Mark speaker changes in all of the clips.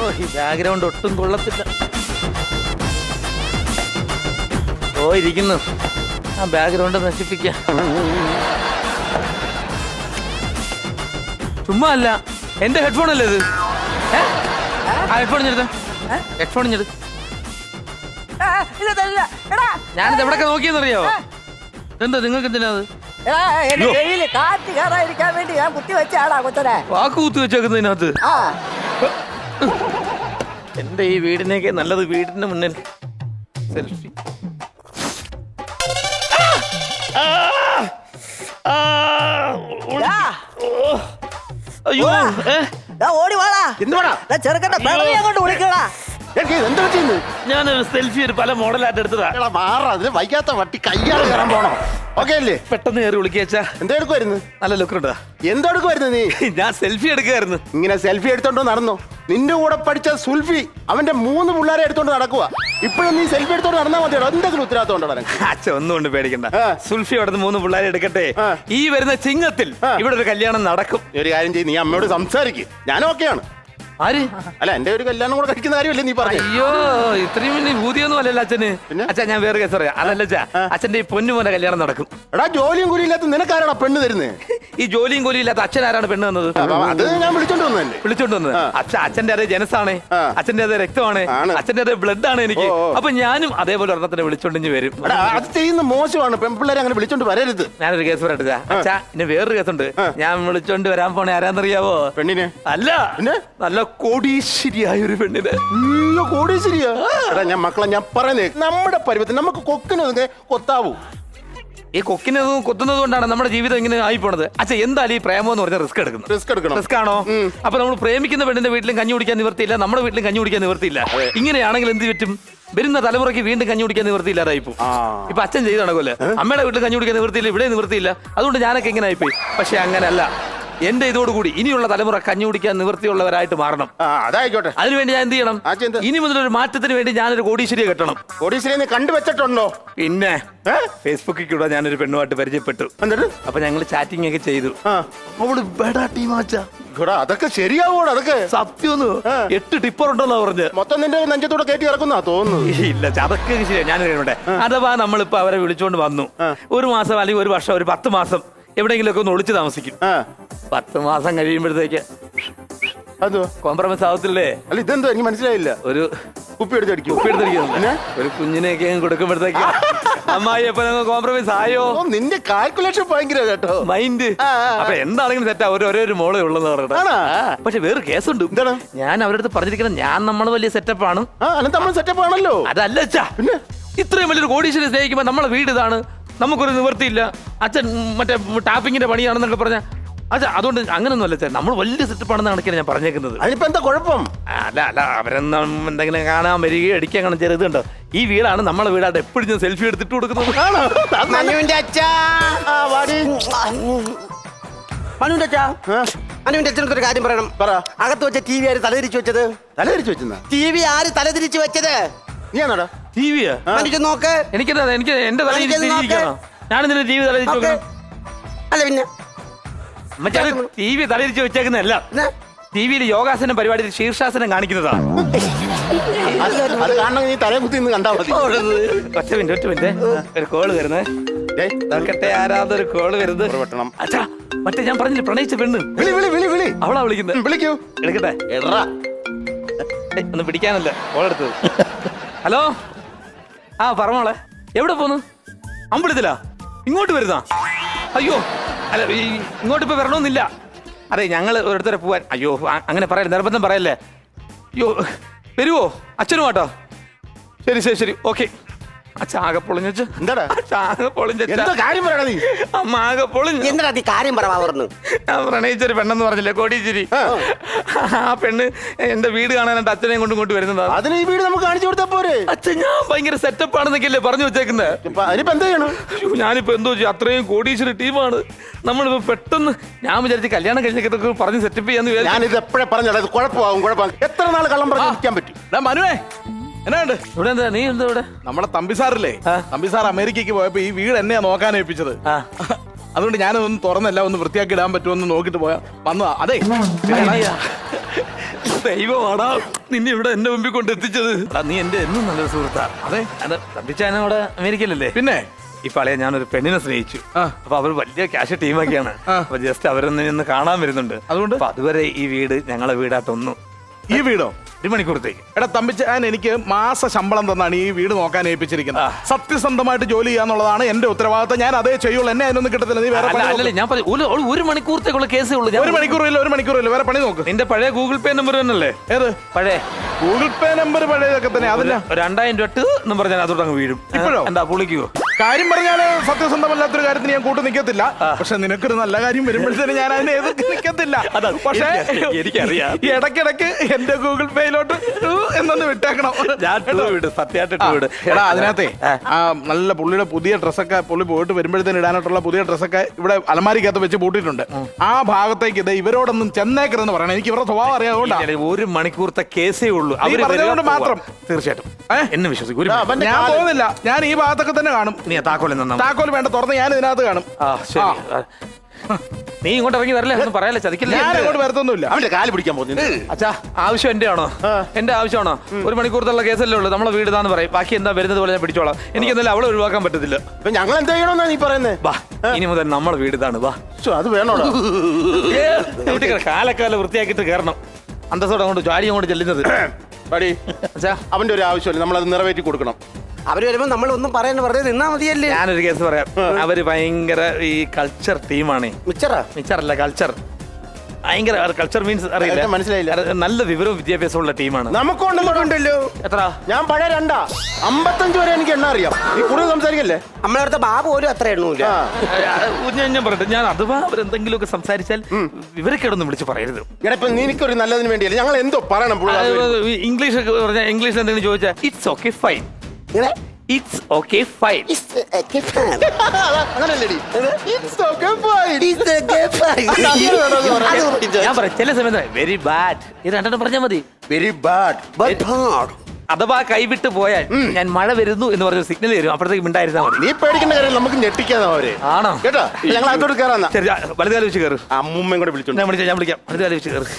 Speaker 1: ഈ ബാക്ക്ഗ്രൗണ്ട് ഒട്ടും കൊള്ളത്തില്ല. ഓ ഇരിക്കുന്നു. ആ ബാക്ക്ഗ്രൗണ്ട് നശിപ്പിക്കാം. ചുമ്മാ അല്ല, എന്റെ ഹെഡ്ഫോൺ അല്ലേ ഇത്? ആ ഹെഡ്ഫോൺ ഞെടുത്ത, ഹെഡ്ഫോൺ ഞെടു. ഞാനിത് എവിടൊക്കെ നോക്കിയെന്നറിയാവോ? എന്താ നിങ്ങൾക്ക് എന്തിനാ അത്?
Speaker 2: കാറ്റ് കയറാതിരിക്കാൻ വേണ്ടി ഞാൻ കുത്തി വെച്ചാടാ കൊച്ചനെ.
Speaker 1: വാക്ക് കുത്തി വെച്ചേക്കുന്നതിനകത്ത്. എന്റെ ഈ വീടിനേക്ക് നല്ലത് വീടിന്റെ മുന്നിൽ സെൽഫി. അയ്യോ
Speaker 2: ഓടി വാടാ.
Speaker 3: എന്തുവാടാ
Speaker 2: ചെറുക്കന്റെ അങ്ങോട്ട് വിളിക്കടാ.
Speaker 1: ഞാനൊരു സെൽഫി ഒരു പല മോഡലായിട്ട് എടുത്തതാ.
Speaker 3: അതിന് വൈകാത്ത വട്ടി കയ്യാൾ കയറാൻ പോണോ? ഓക്കെ അല്ലേ?
Speaker 1: പെട്ടെന്ന് കയറി വിളിക്കാ.
Speaker 3: എന്തെടുക്കുമായിരുന്നു?
Speaker 1: നല്ല ലുക്കുണ്ടാ.
Speaker 3: എന്തെടുക്കുമായിരുന്നു നീ?
Speaker 1: ഞാൻ സെൽഫി എടുക്കുമായിരുന്നു.
Speaker 3: ഇങ്ങനെ സെൽഫി എടുത്തോണ്ട് നടന്നോ? നിന്റെ കൂടെ പഠിച്ച സുൽഫി അവന്റെ 3 പിള്ളേരെ എടുത്തോണ്ട് നടക്കുക. ഇപ്പോഴും നീ സെൽഫി എടുത്തോണ്ട് നടന്നാൽ മതിയോ? എന്തെങ്കിലും ഉത്തരവാദിത്തം?
Speaker 1: അച്ഛൻ ഒന്നും കൊണ്ട് പേടിക്കണ്ട. സുൽഫി അവിടെ 3 പിള്ളേരെ എടുക്കട്ടെ. ഈ വരുന്ന ചിങ്ങത്തിൽ ഇവിടെ ഒരു കല്യാണം നടക്കും.
Speaker 3: ഒരു കാര്യം ചെയ്യും, നീ അമ്മയോട് സംസാരിക്കും. ഞാൻ ഓക്കെയാണ്.
Speaker 1: ആര്?
Speaker 3: അല്ല, എന്റെ ഒരു കല്യാണം കൂടെ കഴിക്കുന്ന കാര്യമല്ലേ നീ പറഞ്ഞു?
Speaker 1: അയ്യോ, ഇത്രയും വലിയ ഭൂതിയൊന്നും അല്ലല്ലോ അച്ഛന്. അച്ഛാ ഞാൻ വേറെ കേസ് പറയാം. അതല്ല അച്ഛാ, അച്ഛന്റെ ഈ പൊന്നുമോനെ കല്യാണം നടക്കും.
Speaker 3: എടാ, ജോലിയും കൂലിയില്ലാത്ത നിനക്കാരാണ് പെണ്ണ് തരുന്നത്?
Speaker 1: ഈ ജോലിയും കൂലിയും ഇല്ലാത്ത അച്ഛൻ ആരാണ് പെണ്ണ് തന്നത്?
Speaker 3: അത് ഞാൻ വിളിച്ചോണ്ട് വന്നല്ലേ.
Speaker 1: വിളിച്ചോണ്ട് വന്നത് അച്ഛന്റെ അതേ ജനസാണ്, അച്ഛന്റെ അതേ രക്തമാണ്, അച്ഛന്റെ അതേ ബ്ലഡ് ആണ് എനിക്ക്. അപ്പൊ ഞാനും അതേപോലെ ഒരെണ്ണത്തിനെ വിളിച്ചോണ്ടിഞ്ഞ് വരും.
Speaker 3: അത് ചെയ്യുന്ന മോശമാണ്. പെൺപിള്ളേരെ അങ്ങനെ വിളിച്ചോണ്ട് വരരുത്.
Speaker 1: ഞാനൊരു കേസ് പറയട്ടെ അച്ഛാ. ഇനി വേറൊരു കേസുണ്ട്. ഞാൻ വിളിച്ചോണ്ട് വരാൻ പോണേ ആരാന്നറിയാവോ?
Speaker 3: പെണ്ണിനെ
Speaker 1: അല്ല, നല്ല കോടീശ്വരിയായ ഒരു പെണ്ണിനെ.
Speaker 3: കോടീശ്വരിയാ? ഞാൻ മക്കളെ ഞാൻ പറയുന്നേ, നമ്മുടെ പരുവത്തിന് നമുക്ക് കൊക്കിനൊക്കെ കൊത്താവൂ.
Speaker 1: ഈ കൊക്കിനതും കൊത്തുന്നത് കൊണ്ടാണ് നമ്മുടെ ജീവിതം ഇങ്ങനെ ആയി പോണത്. അച്ഛാ, എന്തായാലും ഈ പ്രേമം എന്ന് പറഞ്ഞാൽ റിസ്ക് എടുക്കണം. റിസ്ക് ആണോ? അപ്പൊ നമ്മൾ പ്രേമിക്കുന്ന പെണ്ണിന്റെ വീട്ടിലും കഞ്ഞി കുടിക്കാൻ നിവർത്തിയില്ല, നമ്മുടെ വീട്ടിലും കഞ്ഞി കുടിക്കാൻ നിവർത്തിയില്ല. ഇങ്ങനെയാണെങ്കിൽ എന്ത് പറ്റും? വരുന്ന തലമുറയ്ക്ക് വീണ്ടും കഞ്ഞി കുടിക്കാൻ നിവർത്തിയില്ലാതായിപ്പോ. ഇപ്പൊ അച്ഛൻ ചെയ്ത് നടക്കുമല്ലേ, അമ്മയുടെ വീട്ടിൽ കഞ്ഞി കുടിക്കാൻ നിവർത്തിയില്ല, ഇവിടെ നിവർത്തിയില്ല. അതുകൊണ്ട് ഞാനൊക്കെ ഇങ്ങനെ ആയിപ്പോയി. പക്ഷെ അങ്ങനെയല്ല. എന്റെ ഇതോടുകൂടി ഇനിയുള്ള തലമുറ കഞ്ഞി കുടിക്കാൻ നിവൃത്തിയുള്ളവരായിട്ട് മാറണം.
Speaker 3: അതായിക്കോട്ടെ.
Speaker 1: അതിനുവേണ്ടി ഞാൻ എന്ത് ചെയ്യണം? ഇനി മുതലൊരു മാറ്റത്തിന് വേണ്ടി ഞാനൊരു കോടീശ്വരിയെ കെട്ടണം.
Speaker 3: കോടീശ്വരിയെ കണ്ടുവച്ചിട്ടുണ്ടോ?
Speaker 1: പിന്നെ ഫേസ്ബുക്കിൽ കൂടെ ഞാനൊരു പെണ്ണുമായിട്ട് പരിചയപ്പെട്ടു. അപ്പൊ ഞങ്ങൾ ചാറ്റിംഗ് ഒക്കെ ചെയ്തു. അവള് ബെഡാ ടീമാച്ചാ.
Speaker 3: അതൊക്കെ ശരിയാവൂടാ? അതൊക്കെ
Speaker 1: സത്യം. 8 ടിപ്പർ ഉണ്ടെന്നാ പറഞ്ഞ്.
Speaker 3: മൊത്തം നിന്റെ നെഞ്ചത്തൂടെ കയറ്റി ഇറക്കുന്ന തോന്നുന്നു.
Speaker 1: ഇല്ല, അതൊക്കെ ശരിയാ. ഞാൻ കഴിയട്ടെ. അഥവാ നമ്മളിപ്പോ അവരെ വിളിച്ചോണ്ട് വന്നു, 1 മാസം അല്ലെങ്കിൽ 1 വർഷം, ഒരു 10 മാസം എവിടെയെങ്കിലുമൊക്കെ ഒന്ന് ഒളിച്ചു താമസിക്കും. 10 മാസം കഴിയുമ്പോഴത്തേക്ക്
Speaker 3: അതോ
Speaker 1: കോംപ്രമൈസ് ആവത്തില്ലേ?
Speaker 3: അല്ല, ഇതെന്തോ എനിക്ക് മനസ്സിലായില്ല.
Speaker 1: ഒരു
Speaker 3: കുപ്പി എടുത്തടിക്കും.
Speaker 1: ഒരു കുഞ്ഞിനെയൊക്കെ കൊടുക്കുമ്പോഴത്തേക്ക് അമ്മായി എപ്പോ കോംപ്രമൈസ് ആയോ?
Speaker 3: നിന്റെ കാൽക്കുലേഷൻ ഭയങ്കര കേട്ടോ.
Speaker 1: മൈൻഡ്. അപ്പൊ എന്താണെങ്കിലും സെറ്റാ. ഒരേ മോളെ ഉള്ളെന്ന് പറഞ്ഞിട്ട്. പക്ഷെ വേറെ കേസുണ്ട്.
Speaker 3: എന്താണ്?
Speaker 1: ഞാൻ അവരുടെ അടുത്ത് പറഞ്ഞിരിക്കുന്നത്, നമ്മൾ വലിയ സെറ്റപ്പ് ആണ്.
Speaker 3: സെറ്റപ്പ് ആണല്ലോ.
Speaker 1: അതല്ല അച്ഛാ, ഇത്രയും വലിയൊരു കോടീശ്വരി സ്നേഹിക്കുമ്പോ നമ്മളെ വീട് ഇതാണ്, നമുക്കൊരു നിവൃത്തിയില്ല. അച്ഛൻ മറ്റേ ടാപ്പിങ്ങിന്റെ പണിയാണെന്നൊക്കെ പറഞ്ഞ അച്ഛാ, അതുകൊണ്ട് അങ്ങനൊന്നും അല്ല അച്ഛൻ. നമ്മൾ വലിയ സെറ്റപ്പ് ആണെന്ന് കണക്കാണ് ഞാൻ പറഞ്ഞേക്കുന്നത്.
Speaker 3: അതിനിപ്പോ എന്താ കുഴപ്പം?
Speaker 1: അല്ല, അവരെന്തെങ്കിലും കാണാൻ വരികയോ അടിക്കാൻ കാണാൻ ചെറുതുണ്ടോ? ഈ വീടാണ് നമ്മളെ വീടായിട്ട് എപ്പോഴും ഞാൻ സെൽഫി എടുത്തിട്ട് കൊടുക്കുന്നത്.
Speaker 2: മനുവിന്റെ അച്ഛനൊരു കാര്യം പറയണം. അകത്ത് വെച്ച TV ആര് തലതിരിച്ചു വെച്ചത്?
Speaker 3: തലതിരിച്ചു വെച്ചെന്നാ?
Speaker 2: TV ആര് തലതിരിച്ചു വെച്ചത്?
Speaker 3: നീ ആണോടാ?
Speaker 1: ടിവിയാ?
Speaker 2: നോക്ക്.
Speaker 1: എനിക്ക് എന്റെ തലയിരിക്കണോ? ഞാനെന്തിനാ TV തലയിരിച്ചു വെക്കണം?
Speaker 2: അല്ല പിന്നെ
Speaker 1: TV തലയിരിച്ചു വെച്ചേക്കുന്നതല്ല. ടിവിയിൽ യോഗാസനം പരിപാടിയിൽ ശീർഷാസനം കാണിക്കുന്നതാ.
Speaker 3: അത് കാണണം. നീ തലയെ കുത്തി നിന്ന് കണ്ടാ മതി.
Speaker 1: ഒറ്റ മിനിറ്റ്, ഒരു കോള് വരുന്നേ. നോക്കട്ടെ, ആരാതൊരു കോള് വരുന്നത്. അച്ഛാ, മറ്റേ ഞാൻ പറഞ്ഞില്ല, പ്രണയിച്ച പെണ്ണ്. അവളാ വിളിക്കുന്നത്.
Speaker 3: വിളിക്കൂ.
Speaker 1: എടുക്കട്ടെ. ഒന്ന് പിടിക്കാനല്ല കോളെടുത്തത്. ഹലോ. പറഞ്ഞോളെ. എവിടെ പോന്നു? അമ്പലത്തിലാ? ഇങ്ങോട്ട് വരുന്നാ? അയ്യോ, അല്ല, ഇങ്ങോട്ട് ഇപ്പൊ വരണമെന്നില്ല. അതെ, ഞങ്ങൾ ഒരിടത്തരെ പോവാൻ. അയ്യോ, അങ്ങനെ പറയല്ലേ, നിർബന്ധം പറയല്ലേ. അയ്യോ, വരുവോ? അച്ഛനും കേട്ടോ. ശരി, ഓക്കെ. അച്ഛാ, ആകെ പൊളിഞ്ഞ.
Speaker 3: എന്താടാ
Speaker 1: ആകെ പൊളിഞ്ഞ.
Speaker 3: കാര്യം പറയണ നീ.
Speaker 1: അമ്മ ആകെ പൊളിഞ്ഞു.
Speaker 2: എന്താ നീ കാര്യം പറഞ്ഞു?
Speaker 1: ഞാൻ പ്രണയിച്ചൊരു പെണ്ണെന്ന് പറഞ്ഞില്ലേ, കോടീശ്വരി. ആ പെണ്ണ് എന്റെ വീട് കാണാനായിട്ട് അച്ഛനെയും കൊണ്ട് ഇങ്ങോട്ട് വരുന്നതാണ്.
Speaker 3: അതിന് ഈ വീട് നമുക്ക് കാണിച്ചു കൊടുത്താ പോരെ?
Speaker 1: അച്ഛൻ, ഞാൻ ഭയങ്കര സെറ്റപ്പ് ആണെന്നൊക്കെയല്ലേ പറഞ്ഞു വെച്ചേക്കുന്നത്.
Speaker 3: അതിനിപ്പോ എന്താ ചെയ്യണം?
Speaker 1: ഞാനിപ്പോ എന്തോ ചെയ്യും? അത്രയും കോടീശ്വരി ടീമാണ്. നമ്മളിപ്പോ പെട്ടെന്ന് ഞാൻ വിചാരിച്ച് കല്യാണം കഴിഞ്ഞൊക്കെ പറഞ്ഞ് സെറ്റപ്പ് ചെയ്യാന്ന് വിചാരിച്ചു.
Speaker 3: ഞാനിത് എപ്പോഴേ പറഞ്ഞത് കുഴപ്പമാകും. എത്ര നാൾ കള്ളം പറഞ്ഞ് നിൽക്കാൻ പറ്റും?
Speaker 4: മനുവേ, എന്നാണ്ട്
Speaker 1: ഇവിടെ എന്താ? നീ എന്താ ഇവിടെ?
Speaker 4: നമ്മളെ തമ്പിസാറില്ലേ, തമ്പിസാർ അമേരിക്കക്ക് പോയപ്പോ ഈ വീട് എന്നെയാ നോക്കാൻ ഏൽപ്പിച്ചത്. അതുകൊണ്ട് ഞാനൊന്ന് തുറന്നെല്ലാം ഒന്ന് വൃത്തിയാക്കി ഇടാൻ പറ്റുമെന്ന് നോക്കിട്ട് വന്നതാ. അതെ,
Speaker 1: ദൈവമാടാ നിന്നെ ഇവിടെ എന്റെ മുമ്പിൽ കൊണ്ട് എത്തിച്ചത്. നീ എന്റെ എന്നും നല്ലൊരു സുഹൃത്താ.
Speaker 4: അതെ,
Speaker 1: അത് തമ്പിച്ചാനും അവിടെ അമേരിക്കയിലല്ലേ?
Speaker 4: പിന്നെ
Speaker 1: ഇപ്പൊ അളയെ ഞാനൊരു പെണ്ണിനെ സ്നേഹിച്ചു. അപ്പൊ അവർ വലിയ ക്യാഷ് ടീമൊക്കെയാണ്. അപ്പൊ ജസ്റ്റ് അവരൊന്ന് കാണാൻ വരുന്നുണ്ട്.
Speaker 4: അതുകൊണ്ട്
Speaker 1: അപ്പൊ അതുവരെ ഈ വീട് ഞങ്ങളെ വീടായിട്ടൊന്നും.
Speaker 4: ഈ വീടോ
Speaker 1: 1 മണിക്കൂറത്തേക്ക്.
Speaker 4: എടാ തമ്പിച്ചാൻ എനിക്ക് മാസ ശമ്പളം തന്നാണ് ഈ വീട് നോക്കാൻ ഏൽപ്പിച്ചിരിക്കുന്നത്. സത്യസന്ധമായിട്ട് ജോലി ചെയ്യാന്നുള്ളതാണ് എന്റെ ഉത്തരവാദിത്തം. ഞാൻ അതേ ചെയ്യുള്ളൂ. എന്നെ അതിനൊന്നും കിട്ടത്തില്ല. നീ വേറെ
Speaker 1: അല്ലല്ലേ ഞാൻ പറഞ്ഞു 1 മണിക്കൂറത്തേക്കുള്ള കേസേ ഉള്ളൂ.
Speaker 4: 1 മണിക്കൂറില്ല വേറെ പണി നോക്ക്.
Speaker 1: നിന്റെ പഴയ ഗൂഗിൾ പേ നമ്പർ തന്നെയല്ലേ?
Speaker 4: ഏത്
Speaker 1: പഴയ
Speaker 4: ഗൂഗിൾ പേ നമ്പർ? പഴയതൊക്കെ തന്നെ. അതില്ല
Speaker 1: 2000 രൂപ എന്ന് പറഞ്ഞാൽ അതോട്ട് അങ്ങ് വീഴും.
Speaker 4: ഇപ്പോഴോ?
Speaker 1: എന്താ പുളിക്കുവോ?
Speaker 4: കാര്യം പറഞ്ഞാല് സത്യസന്ധമല്ലാത്തൊരു കാര്യത്തിന് ഞാൻ കൂട്ട് നിൽക്കത്തില്ല. പക്ഷെ നിനക്കൊരു നല്ല കാര്യം വരുമ്പോഴത്തേന് ഞാൻ അതിനെ എതിർത്ത് നിൽക്കത്തില്ല. പക്ഷേ
Speaker 1: എനിക്കറിയാം
Speaker 4: ഇടയ്ക്കിടയ്ക്ക് എന്റെ ഗൂഗിൾ പേയിലോട്ട് എന്നൊന്ന് വിട്ടേക്കണം. എടാ അതിനകത്തെ ആ നല്ല പുള്ളിയുടെ പുതിയ ഡ്രസ്സൊക്കെ പുള്ളി പോയിട്ട് വരുമ്പോഴത്തേന് ഇടാനായിട്ടുള്ള പുതിയ ഡ്രസ്സൊക്കെ ഇവിടെ അലമാരിക്കകത്ത് വെച്ച് പൂട്ടിയിട്ടുണ്ട്. ആ ഭാഗത്തേക്ക് ഇത് ഇവരോടൊന്നും ചെന്നേക്കരുതെന്ന് പറയണം. എനിക്ക് ഇവരുടെ സ്വഭാവം അറിയാതുകൊണ്ടാണ്.
Speaker 1: 1 മണിക്കൂറത്തെ കേസേ ഉള്ളൂ.
Speaker 4: പറഞ്ഞതുകൊണ്ട് മാത്രം
Speaker 1: തീർച്ചയായിട്ടും എന്നെ വിശ്വസിക്കും.
Speaker 4: ഞാൻ പോകുന്നില്ല. ഞാൻ ഈ ഭാഗത്തൊക്കെ തന്നെ കാണും.
Speaker 1: നീ താക്കോൽ
Speaker 4: താക്കോൽ വേണ്ട, തുറന്ന് ഞാൻ ഇതിനകത്ത് കാണും.
Speaker 1: നീ ഇങ്ങോട്ട് ഇറങ്ങി വരല്ലേ? ഒന്നും പറയാല്ലേ, ചതിക്കില്ല.
Speaker 4: ഞാൻ അങ്ങോട്ട് വരത്തൊന്നുമില്ല.
Speaker 3: അവന്റെ കാല് പിടിക്കാൻ പോകുന്നു.
Speaker 1: അച്ഛാ ആവശ്യം എന്റെ ആണോ? എന്റെ ആവശ്യമാണോ? 1 മണിക്കൂറത്തുള്ള കേസല്ലേ ഉള്ളൂ. നമ്മളെ വീട് ഇതാന്ന് പറയും. ബാക്കി എന്താ വരുന്നത് പോലെ ഞാൻ പിടിച്ചോളാം. എനിക്ക് എന്തായാലും അവളെ ഒഴിവാക്കാൻ പറ്റത്തില്ല.
Speaker 3: അപ്പൊ ഞങ്ങൾ എന്ത് ചെയ്യണമെന്നാ നീ പറയുന്നത്?
Speaker 1: വാ ഇനി മുതൽ നമ്മളെ വീട് ഇതാണ്. വാ
Speaker 3: അത് വേണോടാ.
Speaker 1: കാലക്കാലം വൃത്തിയാക്കിട്ട് കയറണം. അന്തസ്സോടെ അങ്ങോട്ട് ജാലി അങ്ങോട്ട് ചെല്ലുന്നത്.
Speaker 3: അവന്റെ ഒരു ആവശ്യമില്ല, നമ്മളത് നിറവേറ്റി കൊടുക്കണം.
Speaker 2: അവര് വരുമ്പോ നമ്മൾ ഒന്നും പറയാൻ വെറുതെ നിന്നാ മതിയല്ലേ?
Speaker 1: ഞാനൊരു കേസ് പറയാം. അവര് ഭയങ്കര ഈ കൾച്ചർ ടീമാണ്. മിച്ചറല്ല കൾച്ചർ. ഭയങ്കര കൾച്ചർ മീൻസ് അറിയില്ല,
Speaker 3: മനസ്സിലായില്ല.
Speaker 1: നല്ല വിവരവും വിദ്യാഭ്യാസമുള്ള ടീമാണ്.
Speaker 3: നമുക്കുണ്ടല്ലോ.
Speaker 1: എത്ര?
Speaker 3: ഞാൻ പഴയ 2 55 വരെ എനിക്ക് എണ്ണ അറിയാം. നീ കൂടുതൽ സംസാരിക്കല്ലേ?
Speaker 2: നമ്മളടുത്ത ബാബു പോലും അത്ര എണ്ണൂല്ല.
Speaker 1: ഞാൻ പറയട്ടെ, ഞാൻ അഥവാ അവരെന്തെങ്കിലുമൊക്കെ സംസാരിച്ചാൽ ഇവരൊക്കെയൊന്നും വിളിച്ച് പറയരുത്.
Speaker 3: ഇപ്പൊ നിനക്കൊരു നല്ലതിന് വേണ്ടിയല്ല. ഞങ്ങൾ എന്തോ പറയണം.
Speaker 1: ഇംഗ്ലീഷ് പറഞ്ഞാൽ ഇംഗ്ലീഷിൽ എന്തെങ്കിലും ചോദിച്ചാൽ it's okay fine. It's okay fine. ഞാൻ പറയാം ചില സമയത്ത് വെരി ബാഡ്. ഇത് 2 പറഞ്ഞാൽ മതി.
Speaker 3: Very bad.
Speaker 1: അഥവാ കൈവിട്ട് പോയാൽ ഞാൻ മഴ വരുന്നു എന്ന് പറഞ്ഞ സിഗ്നൽ തരും. അപ്പോഴത്തേക്ക് മിണ്ടായിരുന്നാ മതി.
Speaker 3: നീ പേടിക്കേണ്ട കാര്യം നമുക്ക് ഞെട്ടിക്കാതെ അവരെ.
Speaker 1: ആണോ?
Speaker 3: കേട്ടോ, ഞങ്ങൾ അതോട് കയറാന്നാ.
Speaker 1: ശരി, വലുതാലി വെച്ച് കയറ്.
Speaker 3: അമ്മൂമ്മയും കൂടെ വിളിച്ചു.
Speaker 1: ഞാൻ വിളിക്കാം. വലുതാലി വെച്ച് കയറ്.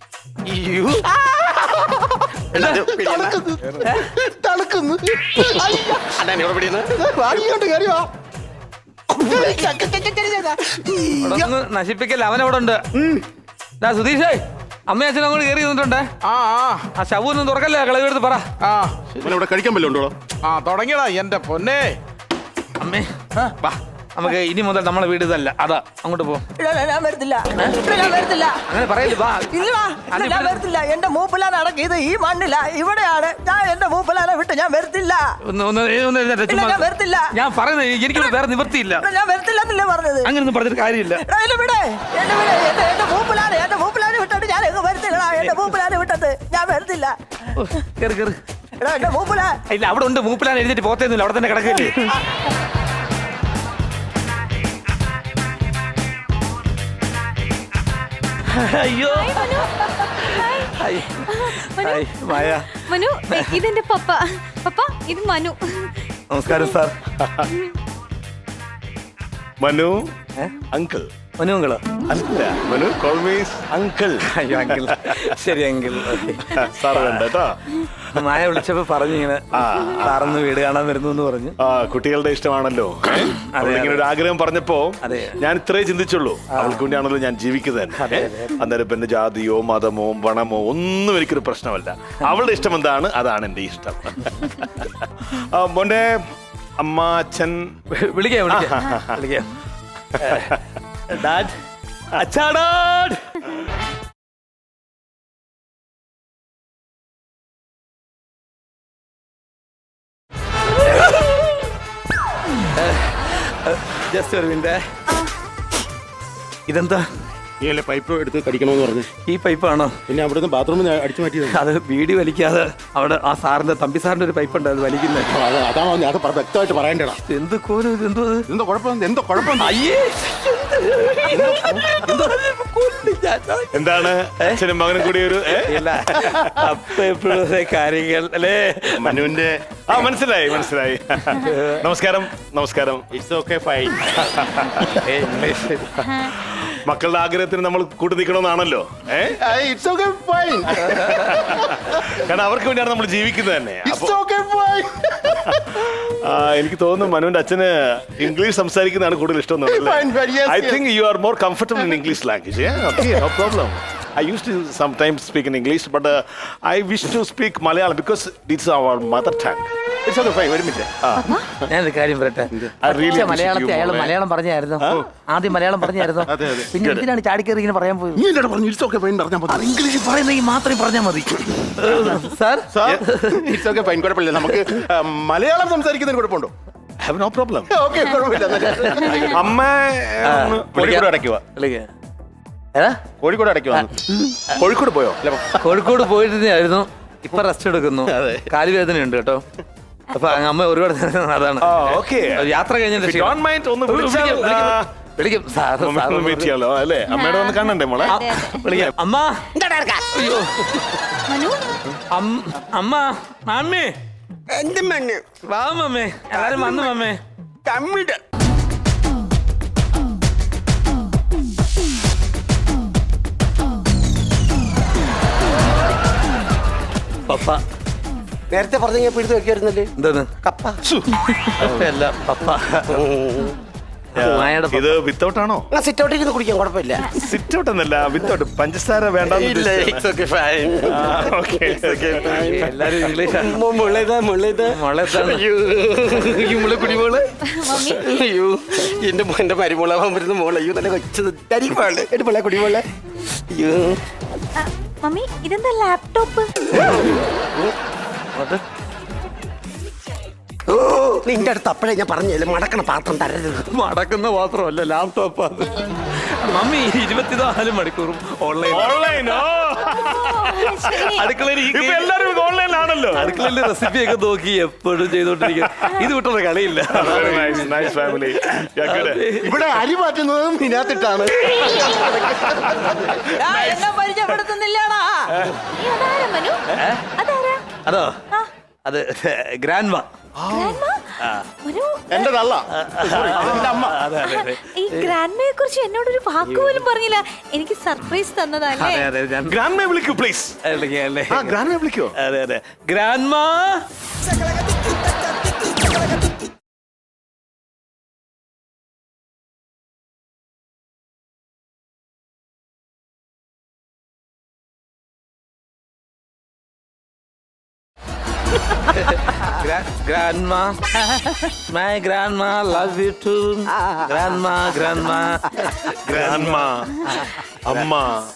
Speaker 1: നശിപ്പിക്കല്ല, അവനവിടെ ഉണ്ട്. സുധീഷേ, അമ്മയും അച്ഛനും അങ്ങോട്ട് കയറി നിന്നിട്ടുണ്ടേ. ആ ശവൊന്നും തുറക്കല്ലേ, കളവെടുത്ത് പറ.
Speaker 3: ഇവിടെ കഴിക്കാൻ പറ്റും ഉണ്ടോ?
Speaker 4: തുടങ്ങിയടാ എന്റെ പൊന്നെ.
Speaker 1: അമ്മേ വാ, നമുക്ക് ഇനി മുതൽ നമ്മളെ വീട് ഇതല്ല. അതാ അങ്ങോട്ട് പോ.
Speaker 2: ഞാൻ വരത്തില്ല.
Speaker 1: അങ്ങനെ പറയല്ലേ. വാ.
Speaker 2: ഞാൻ വരത്തില്ല. എന്റെ മൂപ്പിലാണ് അടക്കിയത് ഈ മണ്ണില്ല. ഇവിടെയാണ്. ഞാൻ എന്റെ മൂപ്പിലാനെ വിട്ട് ഞാൻ വരത്തില്ല.
Speaker 1: ഞാൻ
Speaker 2: വരത്തില്ല.
Speaker 1: ഞാൻ പറയുന്നത് എനിക്കിവിടെ വേറെ നിവൃത്തിയില്ല.
Speaker 2: ഞാൻ വരത്തില്ല എന്നല്ലേ പറഞ്ഞത്.
Speaker 1: അങ്ങനൊന്നും പറഞ്ഞിട്ട് കാര്യമില്ല.
Speaker 2: എന്റെ മൂപ്പിലാനെ വിട്ടിട്ട് ഞാൻ എങ്ങ് വരത്തില്ല. എന്റെ മൂപ്പിലാനെ വിട്ടത് ഞാൻ വരത്തില്ല.
Speaker 1: കേറ് കേറ്.
Speaker 2: എന്റെ മൂപ്പിലാ
Speaker 1: ഇല്ല, അവിടെ ഉണ്ട്. മൂപ്പിലാണ് എഴുതിട്ട് പോത്തേന്നില്ല, അവിടെ തന്നെ കിടക്കില്ലേ. അയ്യോ മായ.
Speaker 5: മനു, ഇതെന്റെ പപ്പ. പപ്പ, ഇത് മനു.
Speaker 1: നമസ്കാരം സാർ.
Speaker 3: മനു അങ്കിൾ.
Speaker 1: മനു അങ്കിളോ?
Speaker 3: അല്ല, മനു കോൾ മീ അങ്കിൾ.
Speaker 1: അയ്യോ അങ്കിൾ. ശരി അങ്കിൾ.
Speaker 3: സാർ വേണ്ട കേട്ടോ.
Speaker 1: മായ വിളിച്ചപ്പോ പറഞ്ഞു ഇങ്ങനെ സാറൊന്ന് വീട് കാണാൻ വരുന്നു എന്ന് പറഞ്ഞു.
Speaker 3: കുട്ടികളുടെ ഇഷ്ടമാണല്ലോ. ഇങ്ങനെ ഒരു ആഗ്രഹം പറഞ്ഞപ്പോ ഞാൻ ഇത്രേ ചിന്തിച്ചുള്ളൂ. അവൾക്ക് വേണ്ടിയാണല്ലോ ഞാൻ ജീവിക്കുന്നത്. അന്നേരം ഇപ്പൊ എന്റെ ജാതിയോ മതമോ പണമോ ഒന്നും എനിക്കൊരു പ്രശ്നമല്ല. അവളുടെ ഇഷ്ടം എന്താണ് അതാണ് എന്റെ ഇഷ്ടം. മോന്റെ അമ്മ അച്ഛൻ
Speaker 1: വിളിക്കാം. ഡാഡ്, അച്ഛാ ഡാഡ്. ജസ്റ്റ് ഒരു മിനിറ്റ്. ഇതെന്താ?
Speaker 3: നീ അല്ലേ പൈപ്പ് എടുത്ത് കടിക്കണമെന്ന് പറഞ്ഞു.
Speaker 1: ഈ പൈപ്പാണോ?
Speaker 3: പിന്നെ അവിടുന്ന് ബാത്റൂമിൽ അടിച്ചു മാറ്റിയത്.
Speaker 1: അത് വീടി വലിക്കാതെ അവിടെ ആ സാറിന്റെ തമ്പി സാറിന്റെ ഒരു പൈപ്പ് ഉണ്ട്, അത് വലിക്കുന്നത്.
Speaker 3: അതാണോ? അത് വ്യക്തമായിട്ട് പറയണ്ടടാ.
Speaker 1: എന്ത് കോലും ഇത്? എന്തോ
Speaker 3: കുഴപ്പം? എന്തോ കുഴപ്പം?
Speaker 1: അയ്യേ,
Speaker 3: എന്താണ് അച്ഛനും മകനും കൂടി ഒരു
Speaker 1: കാര്യങ്ങൾ അല്ലേ
Speaker 3: മനുവിന്റെ? മനസ്സിലായി. നമസ്കാരം. It's okay fine. മക്കളുടെ ആഗ്രഹത്തിന് നമ്മൾ കൂട്ടി നിൽക്കണമെന്നാണല്ലോ.
Speaker 6: It's okay fine.
Speaker 3: കാരണം അവർക്ക് വേണ്ടിയാണ് നമ്മൾ ജീവിക്കുന്നത് തന്നെ.
Speaker 6: It's okay fine.
Speaker 3: എനിക്ക് തോന്നുന്നു മനുവിന്റെ അച്ഛന് ഇംഗ്ലീഷ് സംസാരിക്കുന്നതാണ് കൂടുതൽ ഇഷ്ടം.
Speaker 6: Fine, fine, yes,
Speaker 3: I
Speaker 6: yes.
Speaker 3: Think you are more comfortable in English language. No problem. I used to sometimes speak in English, but I wish to speak Malayalam because it's our mother tongue.
Speaker 6: It's okay fine. ഒരു minute.
Speaker 1: ഞാനൊരു കാര്യം പറയട്ടെ.
Speaker 3: really
Speaker 1: പക്ഷേ
Speaker 3: miss
Speaker 1: മലയാളത്തിൽ
Speaker 3: you,
Speaker 1: അയാൾ
Speaker 3: മോളെ.
Speaker 1: മലയാളം പറഞ്ഞായിരുന്നു. ആദ്യം മലയാളം പറഞ്ഞായിരുന്നു. പിന്നെ എന്തിനാണ് ചാടിക്കറി ഇങ്ങനെ പറയാൻ പോയത്?
Speaker 6: നീ എന്നോട് പറഞ്ഞു ഇറ്റ്സ് ഓക്കെ ഫൈൻ പറഞ്ഞാൽ മതി.
Speaker 1: ഇംഗ്ലീഷ് പറയുന്നെങ്കിൽ മാത്രമേ പറഞ്ഞാൽ മതി. Sir
Speaker 6: it's okay fine. കുഴപ്പമില്ല. നമുക്ക് മലയാളം സംസാരിക്കുന്നതിന് കുഴപ്പമുണ്ടോ?
Speaker 3: Have no problem.
Speaker 6: ഓക്കെ കുഴപ്പമില്ല.
Speaker 3: അമ്മ ഒന്ന്
Speaker 6: കോഴിക്കോട് അടയ്ക്കുക.
Speaker 1: ഏതാ?
Speaker 6: കോഴിക്കോട് അടയ്ക്കുക.
Speaker 3: കോഴിക്കോട് പോയോ?
Speaker 1: കോഴിക്കോട് പോയിരുന്നായിരുന്നു. ഇപ്പൊ റെസ്റ്റ് എടുക്കുന്നു. കാലുവേദന ഉണ്ട് കേട്ടോ. അപ്പൊ അമ്മ ഒരുപാട് അതാണ്
Speaker 3: ഓക്കെ.
Speaker 1: യാത്ര കഴിഞ്ഞതിന് ശേഷം
Speaker 3: Don't mind, ഒന്ന് വിളിച്ചാൽ
Speaker 1: വിളിക്കും സാർ.
Speaker 3: മീറ്റ് ചെയ്യാലോ അല്ലേ? അമ്മയുടെ ഒന്ന് കാണണ്ടേ മോളെ?
Speaker 1: വിളിക്കാം. അമ്മ അയ്യോ
Speaker 5: മനു
Speaker 1: അമ്മ മമ്മി
Speaker 2: എന്ത് മണ്ണ്
Speaker 1: വാ മമ്മേ. എല്ലാരും വന്നു മമ്മേ.
Speaker 2: കമ്മിട്
Speaker 1: പപ്പ
Speaker 2: നേരത്തെ പറഞ്ഞ പിടിച്ചു വെക്കായിരുന്നല്ലേ?
Speaker 1: എന്താണ്?
Speaker 2: കപ്പ.
Speaker 1: അല്ല പപ്പ. മായയുടെ
Speaker 3: ഇത് വിത്തൗട്ട് ആണോ?
Speaker 2: സിറ്റ് ഔട്ടിൽ നിന്ന് കുടിക്കാൻ കുഴപ്പമില്ല.
Speaker 3: സിറ്റ് ഔട്ട് എന്നല്ല, വിത്തൗട്ട്. പഞ്ചസാര വേണ്ട.
Speaker 1: എല്ലാരും ഇംഗ്ലീഷാണ്.
Speaker 2: അയ്യോ എന്റെ മരുമോളാവാൻ വരുന്ന മോളെ. അയ്യോ നല്ല കൊച്ചത് എന്റെ പിള്ളേ കുടിമോളെ. അയ്യോ
Speaker 5: മമ്മി ഇതെന്താ ലാപ്ടോപ്പ്?
Speaker 2: നിന്റെ അടുത്ത് അപ്പഴേ ഞാൻ പറഞ്ഞില്ല മടക്കണ പാത്രം തരരുത്.
Speaker 1: മടക്കുന്ന മാത്രമല്ല ലാപ്ടോപ്പ് അത്. മമ്മി 24 മണിക്കൂറും ഓൺലൈനോ? അടുക്കളയിൽ
Speaker 3: ഇപ്പൊ എല്ലാരും ഓൺലൈനിലാണല്ലോ.
Speaker 1: അടുക്കളയിൽ റെസിപ്പി ഒക്കെ നോക്കി എപ്പോഴും ചെയ്തോണ്ടിരിക്കും. ഇത് വിട്ടൊരു കളിയില്ല.
Speaker 3: Nice family.
Speaker 6: ഇവിടെ അരി മാറ്റുന്നതും ഇതിനകത്തിട്ടാണ്.
Speaker 2: എന്നെ പരിചയപ്പെടുത്തുന്നില്ലാടാ.
Speaker 5: നീ അതാരാ മനു? അതാരാ?
Speaker 1: അതോ അത് ഗ്രാൻഡ്മ.
Speaker 5: ഗ്രാൻഡ്മാ? മനു
Speaker 6: എന്റെ തള്ള. എന്റെ അമ്മ.
Speaker 1: അതെ അതെ അതെ
Speaker 5: ഈ ഗ്രാൻഡ്മയെ കുറിച്ച് എന്നോടൊരു വാക്ക് പോലും പറഞ്ഞില്ല. എനിക്ക് സർപ്രൈസ് തന്നതല്ലേ?
Speaker 1: അതെ അതെ ഞാൻ
Speaker 3: ഗ്രാൻഡ് മേ വിളിക്കൂ പ്ലീസ്.
Speaker 1: അല്ലേ
Speaker 3: ഗ്രാൻഡ് മേ വിളിക്കോ?
Speaker 1: അതെ അതെ grandma. Grandma, my grandma love you too. Grandma, grandma.
Speaker 3: Grandma, അമ്മ.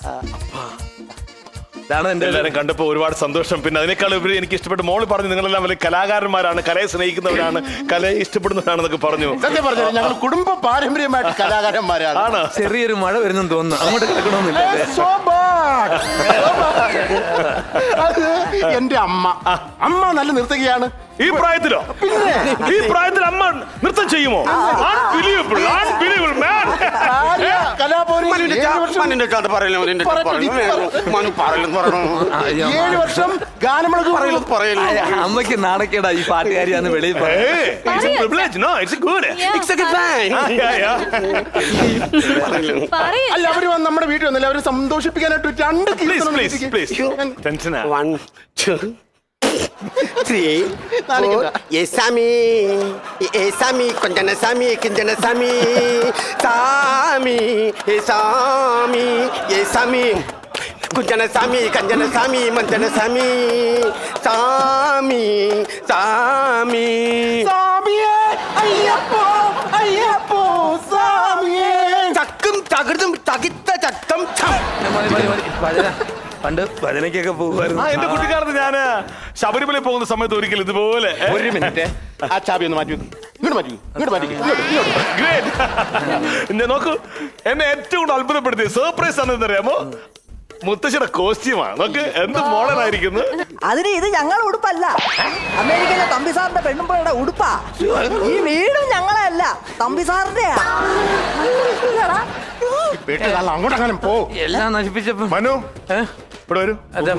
Speaker 1: ഇതാണ് എന്റെ
Speaker 3: എല്ലാരും കണ്ടപ്പോ ഒരുപാട് സന്തോഷം. പിന്നെ അതിനേക്കാൾ ഉപരി എനിക്ക് ഇഷ്ടപ്പെട്ട മോള് പറഞ്ഞു നിങ്ങളെല്ലാം വലിയ കലാകാരന്മാരാണ്, കലയെ സ്നേഹിക്കുന്നവരാണ്, കലയെ ഇഷ്ടപ്പെടുന്നവരാണെന്നൊക്കെ പറഞ്ഞു.
Speaker 6: സത്യം പറഞ്ഞു ഞങ്ങൾ കുടുംബ പാരമ്പര്യമായിട്ട് കലാകാരന്മാരാണ്.
Speaker 3: ആണ്.
Speaker 1: ചെറിയൊരു മഴ വരുന്നെന്ന് തോന്നുന്നു. അങ്ങോട്ട് കിടക്കണമെന്നില്ല.
Speaker 6: So bad. അത് എന്റെ അമ്മ. അമ്മ നല്ല നിർത്തുകയാണ്.
Speaker 3: ഈ പ്രായത്തിലോ? ഈ പ്രായത്തിൽ അമ്മ നൃത്തം ചെയ്യുമോ? Unbelievable, unbelievable, man.
Speaker 6: കലാഭവനിൽ 7 വർഷം ഗാനമേളക്ക്
Speaker 1: അമ്മയ്ക്ക് നാണക്കേടാ ഈ പാട്ടുകാരിയാന്ന് വെളിയിൽ
Speaker 3: Hey, it's a privilege. No, it's good.
Speaker 5: It's പറയ്.
Speaker 6: അല്ല അവര് വന്ന് നമ്മുടെ വീട്ടിൽ വന്നില്ല. അവര് സന്തോഷിപ്പിക്കാനായിട്ട് 2
Speaker 3: Please,
Speaker 6: കീർത്തനം
Speaker 3: please,
Speaker 6: എഴുതി.
Speaker 3: please. Tension ആ.
Speaker 2: 1 2 3 4 യേസാമി യേസാമി കൊഞ്ചന സാമി കിഞ്ചന സാമി സാമി യേസാമി യേസാമി കുഞ്ചന സാമി കഞ്ചന സാമി മഞ്ചന സാമി സാമി സാമി
Speaker 6: സ്വാമിയേ, അയ്യപ്പോ, അയ്യപ്പോ, സ്വാമിയേ.
Speaker 2: ചക്കും തകൃതും തകിത്ത ചത്തം ഛം.
Speaker 1: ഭജന പണ്ട് ഭജനയ്ക്കൊക്കെ പോകുമായിരുന്നു.
Speaker 3: എന്റെ കുട്ടിക്കാലത്ത് ഞാന് ശബരിമല പോകുന്ന സമയത്ത് ഒരിക്കലും ഇതുപോലെ
Speaker 6: ഒരു മിനിറ്റ് ആ ചാബി ഒന്ന് മാറ്റി വെക്ക്. ഇങ്ങോട്ട് മാറ്റി വെക്ക്. ഇങ്ങോട്ട് മാറ്റി വെക്ക്. ഇങ്ങോട്ട്.
Speaker 3: ഗ്രേറ്റ്. നോക്കൂ, എന്നെ ഏറ്റവും കൂടുതൽ അത്ഭുതപ്പെടുത്തിയ സർപ്രൈസ് ആണെന്ന് അറിയാമോ? മുത്തശ്ശിയുടെ കോസ്റ്റ്യൂമാണ്. നോക്ക് എന്ത് മോഡലായിരിക്കുന്നു.
Speaker 2: അതിന് ഇത് ഞങ്ങളുടെ ഉടുപ്പല്ല, അമേരിക്കയിലെ തമ്പിസാറിന്റെ പെണ്ണുമ്പോഴുടെ ഉടുപ്പാ. ഈ വീടും ഞങ്ങളെ അല്ല, തമ്പിസാറിന്റെയാ.
Speaker 6: വീട്ടിൽ നല്ല അങ്ങോട്ടെങ്ങാനും പോ.
Speaker 1: എല്ലാം നശിപ്പിച്ചപ്പോ
Speaker 3: മനു ഇവിടെ വരൂ.
Speaker 1: അതെ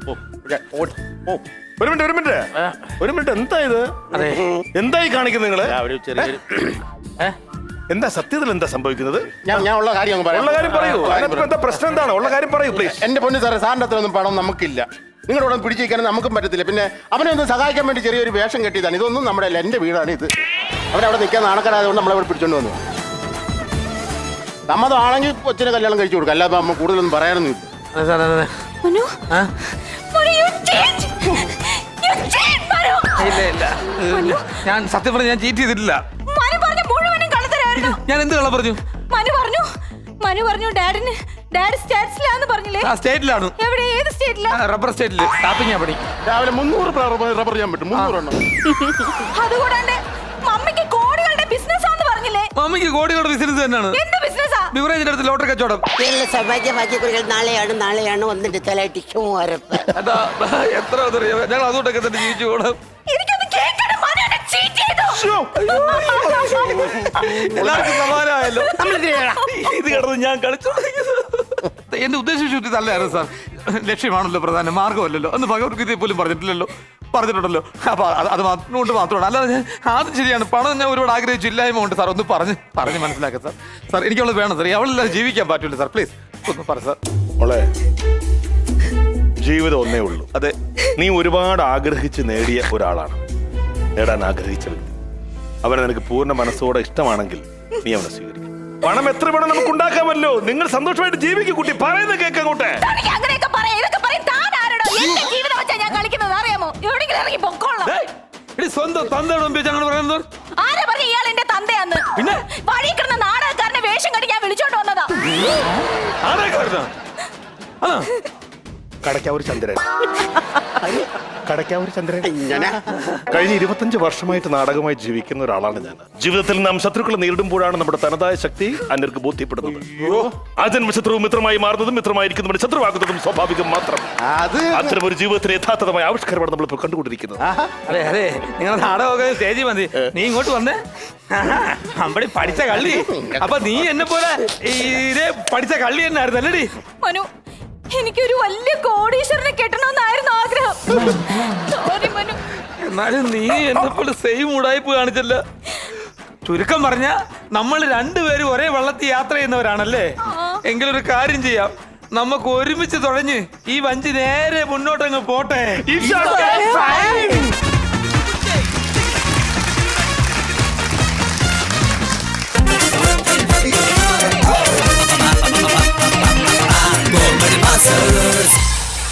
Speaker 3: ഒരു മിനിറ്റ് എന്താ ഇത്?
Speaker 1: അതെ
Speaker 3: എന്തായി കാണിക്കുന്നത് നിങ്ങള്?
Speaker 6: ഒരു ചെറിയൊരു
Speaker 3: എന്താ സത്യത്തിൽ എന്താ സംഭവിക്കുന്നത്?
Speaker 6: ഞാൻ ഉള്ള കാര്യം അങ്ങ് പറയാം.
Speaker 3: ഉള്ള കാര്യം പറയൂ. അതിനകത്ത് എന്താ പ്രശ്നം എന്താണ്? ഉള്ള കാര്യം പറയൂ പ്ലീസ്.
Speaker 6: എന്റെ പൊന്നു സാറേ, സാറിന്റെ അത്ര ഒന്നും പണം നമുക്കില്ല. നിങ്ങളോട് പിടിച്ചിരിക്കാൻ നമുക്കും പറ്റത്തില്ല. പിന്നെ അവനെ ഒന്ന് സഹായിക്കാൻ വേണ്ടി ചെറിയൊരു വേഷം കെട്ടിയതാണ്. ഇതൊന്നും നമ്മുടെ അല്ല, എന്റെ വീടാണ് ഇത്. അവനവിടെ നിൽക്കാൻ നാണക്കാരായതുകൊണ്ട് നമ്മളവിടെ പിടിച്ചോണ്ട് വന്നു. സമ്മതമാണെങ്കിൽ കൊച്ചിനെ കല്യാണം കഴിച്ചു കൊടുക്കാം. അല്ലാതെ നമ്മൾ കൂടുതലൊന്നും പറയാനൊന്നും ഇല്ല.
Speaker 1: അതെ സാർ, അതെ.
Speaker 5: മനു,
Speaker 1: ആ?
Speaker 5: Manu, you change. You change, Manu.
Speaker 1: ഇല്ല. ഞാൻ സത്യം പറഞ്ഞ ഞാൻ ചീറ്റ് ചെയ്തിട്ടില്ല.
Speaker 5: മനു പറഞ്ഞ മുഴുവനും കള്ളത്തരായിരുന്നു.
Speaker 1: ഞാൻ എന്ത് കള്ളം പറഞ്ഞു?
Speaker 5: മനു പറഞ്ഞു ഡാഡി സ്റ്റേറ്റ്സിലാന്ന് പറഞ്ഞില്ലേ?
Speaker 1: ആ സ്റ്റേറ്റിലാണ്.
Speaker 5: എവിടെ, ഏത് സ്റ്റേറ്റിലാ?
Speaker 1: റബ്ബർ സ്റ്റേറ്റില് ടാപ്പിങ്ങാ പണി.
Speaker 6: രാവിലെ 300 റബ്ബർ ചെയ്യാൻ പറ്റും. 300 എണ്ണം.
Speaker 5: അതുകൂടാണ്ട് മമ്മിക്ക് കോടികളുടെ ബിസിനസ് ആന്ന് പറഞ്ഞില്ലേ?
Speaker 1: മമ്മിക്ക് കോടികളുടെ ബിസിനസ് തന്നെയാണ്.
Speaker 5: എന്ത് ബിസിനസ്സാ?
Speaker 1: ബിവറേജിന്റെ അടുത്ത് ലോട്ടറി കച്ചവടം.
Speaker 7: സൗഭാഗ്യഭാഗ്യക്കുറികൾ നാളെയാണ് വന്നിട്ട് തലയിട്ടിക്കും ഉറപ്പ്.
Speaker 1: അതാ എത്ര ഞങ്ങൾ അതുകൊണ്ടൊക്കെ തന്നെ ജീവിച്ചു പോകണം.
Speaker 5: എനിക്കൊന്ന് കേൾക്കണം. മനു എന്നെ cheat ചെയ്തു.
Speaker 1: എല്ലാവർക്കും സമാധാനമായല്ലോ. ഇത് കിടന്ന് ഞാൻ കളിച്ചു. എന്റെ ഉദ്ദേശം ശുദ്ധി തല്ലായിരുന്നു സാർ. ലക്ഷ്യമാണല്ലോ പ്രധാന, മാർഗമല്ലല്ലോ. അന്ന് ഭഗവത്ഗീതയിൽ പോലും പറഞ്ഞിട്ടില്ലല്ലോ. പറഞ്ഞിട്ടുണ്ടല്ലോ. അപ്പൊ അത് കൊണ്ട് മാത്രമാണ്. അല്ലാതെ ഞാൻ ആദ്യം ശരിയാണ്, പണം ഞാൻ ഒരുപാട് ആഗ്രഹിച്ചു, ഇല്ലായ്മ ഉണ്ട് സാർ. ഒന്ന് പറഞ്ഞ് മനസ്സിലാക്കാം സാർ. സാർ എനിക്കുള്ളത് വേണം സാർ. അവളില്ലാതെ ജീവിക്കാൻ പറ്റില്ല സാർ. പ്ലീസ് ഒന്ന് പറ സാർ.
Speaker 3: മോളെ, ജീവിതം ഒന്നേ ഉള്ളൂ.
Speaker 1: അതെ,
Speaker 3: നീ ഒരുപാട് ആഗ്രഹിച്ച് നേടിയ ഒരാളാണ്. നേടാൻ ആഗ്രഹിച്ച വ്യക്തി. അവനെ നിനക്ക് പൂർണ്ണ മനസ്സോടെ ഇഷ്ടമാണെങ്കിൽ നീ അവനെ സ്വീകരിക്കും. പണം എത്ര വേണം നമുക്ക് ഉണ്ടാക്കാമല്ലോ. നിങ്ങൾ സന്തോഷമായിട്ട് ജീവിക്കും കുട്ടി. പറയുന്നത് കേൾക്കങ്ങോട്ടെ.
Speaker 5: തനിക്ക് അങ്ങനെയൊക്കെ പറയാം, ഇതൊക്കെ പറയും. താൻ ആരോടോ? എന്റെ ജീവിതം വെച്ചാ ഞാൻ കളിക്കുന്നത് അറിയാമോ? എവിടെയെങ്കിലും ഇറങ്ങി പൊക്കോളാം.
Speaker 1: സ്വന്തം തന്തയുടെ മുമ്പിൽ ഞങ്ങൾ പറയുന്നത്
Speaker 5: ആരാ പറഞ്ഞ ഇയാൾ എന്റെ തന്തയാന്ന്?
Speaker 1: പിന്നെ
Speaker 5: വഴി കിടന്ന നാടകക്കാരനെ വേഷം കെട്ടി ഞാൻ വിളിച്ചോണ്ട് വന്നതാ.
Speaker 3: കടയ്ക്കാവൂർ ചന്ദ്രൻ. കടയ്ക്കാവൂർ ചന്ദ്രൻ. കഴിഞ്ഞ 25 വർഷമായിട്ട് നാടകമായി ജീവിക്കുന്ന ഒരാളാണ് ഞാൻ. ജീവിതത്തിൽ നാം ശത്രുക്കളെ നേരിടുമ്പോഴാണ് നമ്മുടെ തനതായ ശക്തി അന്യർക്ക് ബോധ്യപ്പെടുന്നത്. അജന്മ ശത്രു മിത്രമായി മാറുന്നതും മിത്രമായിരിക്കുന്നതും ശത്രുവാകുന്നതും സ്വാഭാവികം മാത്രം. അത്തരം ഒരു ജീവിതത്തിലെ യഥാർത്ഥമായ ആവിഷ്കാരമാണ് നമ്മളിപ്പോൾ കണ്ടുകൊണ്ടിരിക്കുന്നത്.
Speaker 1: അതെ, നിങ്ങൾ നാടകമൊക്കെ സ്റ്റേജിൽ മതി. നീ ഇങ്ങോട്ട് വന്നേ. അമ്പടി പഠിച്ച കള്ളി. അപ്പൊ നീ എന്നെ പോലെ ഇതേ പഠിച്ച കള്ളി തന്നെ ആയിരുന്നു അല്ലേടി?
Speaker 5: മനു, എനിക്കൊരു വലിയ കോടീശ്വരനെ കെട്ടണമെന്നായിരുന്നു ആഗ്രഹം. സോറി മനു.
Speaker 1: എന്നാലും നീ എന്നെ പോലെ സെയിം ഉടായ്പ കാണിച്ചല്ല. ചുരുക്കം പറഞ്ഞ നമ്മൾ രണ്ടുപേരും ഒരേ വള്ളത്തിൽ യാത്ര ചെയ്യുന്നവരാണല്ലേ? എങ്കിലൊരു കാര്യം ചെയ്യാം, നമുക്ക് ഒരുമിച്ച് തുഴഞ്ഞ് ഈ വഞ്ചി നേരെ മുന്നോട്ടങ്ങ് പോട്ടെ.
Speaker 8: Comedy Masters.